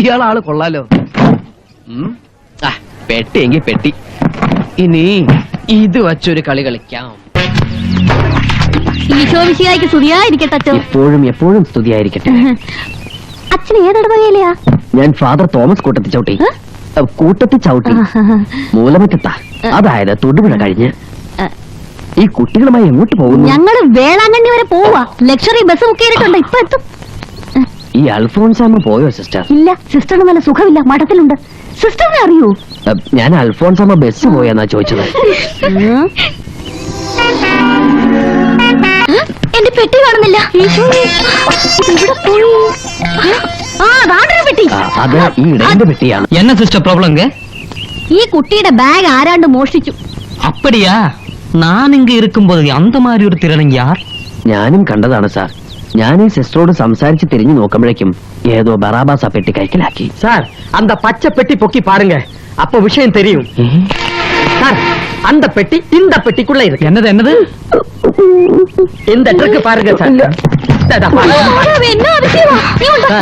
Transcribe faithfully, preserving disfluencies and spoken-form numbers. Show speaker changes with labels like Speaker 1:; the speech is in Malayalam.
Speaker 1: ഇയാളാള് കൊള്ളാലോ. പെട്ടി എങ്കി പെട്ടി. ഇനി ഇത് വച്ചൊരു കളി കളിക്കാം.
Speaker 2: ഈശോമിശിഹായ്ക്ക് സ്തുതിയായിരിക്കട്ടെ അച്ഛൻ.
Speaker 1: എപ്പോഴും എപ്പോഴും സ്തുതിയായിരിക്കട്ടെ.
Speaker 2: അച്ഛൻ ഏതിടവകയിലെയാ?
Speaker 1: ഞാൻ ഫാദർ തോമസ് കൂട്ടത്തി ചവിട്ടി. കൂട്ടത്തി ചവിട്ടി മൂലമറ്റത്താ, അതായത് തൊടുപുഴ കഴിഞ്ഞ്. ഈ കുട്ടികളുമായി എങ്ങോട്ട് പോകുന്നു?
Speaker 2: ഞങ്ങള് വേളാങ്കണ്ണി വരെ പോവാ. ലക്ഷറി ബസ് ബുക്ക് ചെയ്തിട്ടുണ്ട്, ഇപ്പൊ എത്തും.
Speaker 1: ഈ അൽഫോൺസാമ്മ പോയോ സിസ്റ്റർ?
Speaker 2: ഇല്ല, സിസ്റ്ററിന് നല്ല സുഖമില്ല, മഠത്തിലുണ്ട്. സിസ്റ്ററിനെ അറിയൂ?
Speaker 1: ഞാൻ അൽഫോൺസാമ്മ ബസ് പോയെന്നാ ചോദിച്ചത്.
Speaker 2: എന്റെ പെട്ടി കാണുന്നില്ല. പെട്ടി
Speaker 1: അത് ഈ ഇടയന്റെ പെട്ടിയാണ്. എന്ന സിസ്റ്റർ പ്രോബ്ലം?
Speaker 2: ഈ കുട്ടിയുടെ ബാഗ് ആരാണ്ട് മോഷ്ടിച്ചു.
Speaker 1: അപ്പടിയാ? ഞാൻ ഇങ്ങ ഇരിക്കുമ്പോൾ അന്ത മാതിരി ഒരു തിരണം യാർ. ഞാനും കണ്ടതാണ് സാർ. ഞാൻ ഈ സിസ്റ്ററോട് സംസാരിച്ച് തിരിഞ്ഞു നോക്കുമ്പോഴേക്കും ഏതോ ബറാബാസ പെട്ടി കൈക്കലാക്കി. സാർ, அந்த பச்சை பெட்டி பொக்கி பாருங்க, அப்ப விஷயம் தெரியும். சார், அந்த பெட்டி இந்த பெட்டிக்குள்ள இருக்கு. என்னது என்னது? இந்த ட்ரக் பாருங்க சார்.
Speaker 2: என்ன விஷயம்?